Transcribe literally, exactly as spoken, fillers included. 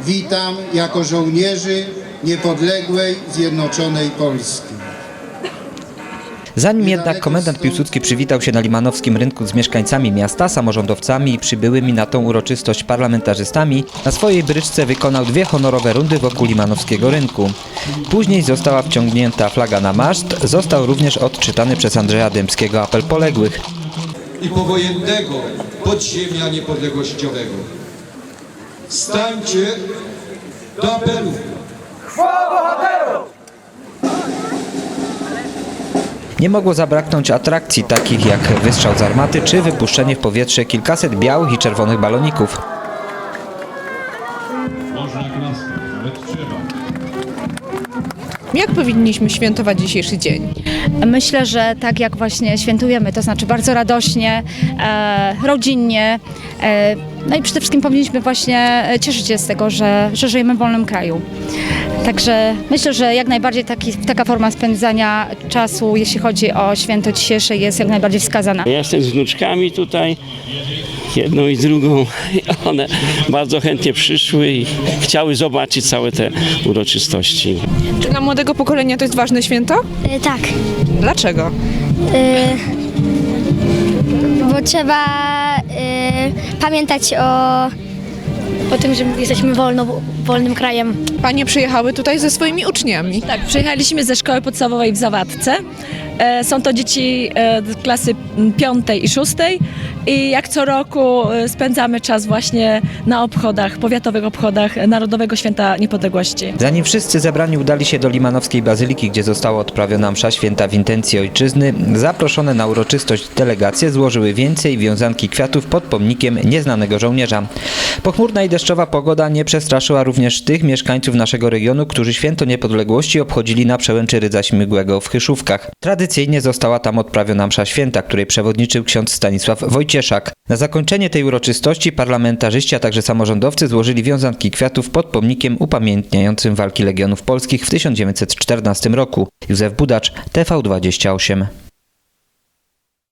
witam jako żołnierzy niepodległej, zjednoczonej Polski. Zanim jednak komendant Piłsudski przywitał się na limanowskim rynku z mieszkańcami miasta, samorządowcami i przybyłymi na tą uroczystość parlamentarzystami, na swojej bryczce wykonał dwie honorowe rundy wokół limanowskiego rynku. Później została wciągnięta flaga na maszt, został również odczytany przez Andrzeja Dębskiego apel poległych i powojennego podziemia niepodległościowego. Stańcie do apelu! Chwała bohaterom! Nie mogło zabraknąć atrakcji takich jak wystrzał z armaty czy wypuszczenie w powietrze kilkaset białych i czerwonych baloników. Można klaskać, nawet trzeba. Jak powinniśmy świętować dzisiejszy dzień? Myślę, że tak jak właśnie świętujemy, to znaczy bardzo radośnie, e, rodzinnie, e, no i przede wszystkim powinniśmy właśnie cieszyć się z tego, że, że żyjemy w wolnym kraju. Także myślę, że jak najbardziej taki, taka forma spędzania czasu, jeśli chodzi o święto dzisiejsze, jest jak najbardziej wskazana. Ja jestem z wnuczkami tutaj, jedną i drugą. One bardzo chętnie przyszły i chciały zobaczyć całe te uroczystości. Czy dla młodego pokolenia to jest ważne święto? E, tak, Dlaczego? e, bo trzeba e, pamiętać o, o tym, że jesteśmy wolno, wolnym krajem. Panie przyjechały tutaj ze swoimi uczniami. Tak, przyjechaliśmy ze szkoły podstawowej w Zawadce. E, Są to dzieci e, klasy piątej i szóstej i jak co roku e, spędzamy czas właśnie na obchodach, powiatowych obchodach Narodowego Święta Niepodległości. Zanim wszyscy zebrani udali się do limanowskiej bazyliki, gdzie została odprawiona msza święta w intencji ojczyzny, zaproszone na uroczystość delegacje złożyły więcej wiązanki kwiatów pod pomnikiem nieznanego żołnierza. Pochmurna i deszczowa pogoda nie przestraszyła również tych mieszkańców naszego regionu, którzy święto niepodległości obchodzili na przełęczy Rydza Śmigłego w Chyszówkach. Tradycyjnie została tam odprawiona msza święta, której przewodniczył ksiądz Stanisław Wojcieszak. Na zakończenie tej uroczystości parlamentarzyści, a także samorządowcy złożyli wiązanki kwiatów pod pomnikiem upamiętniającym walki Legionów Polskich w tysiąc dziewięćset czternastym roku. Józef Budacz, T V dwadzieścia osiem.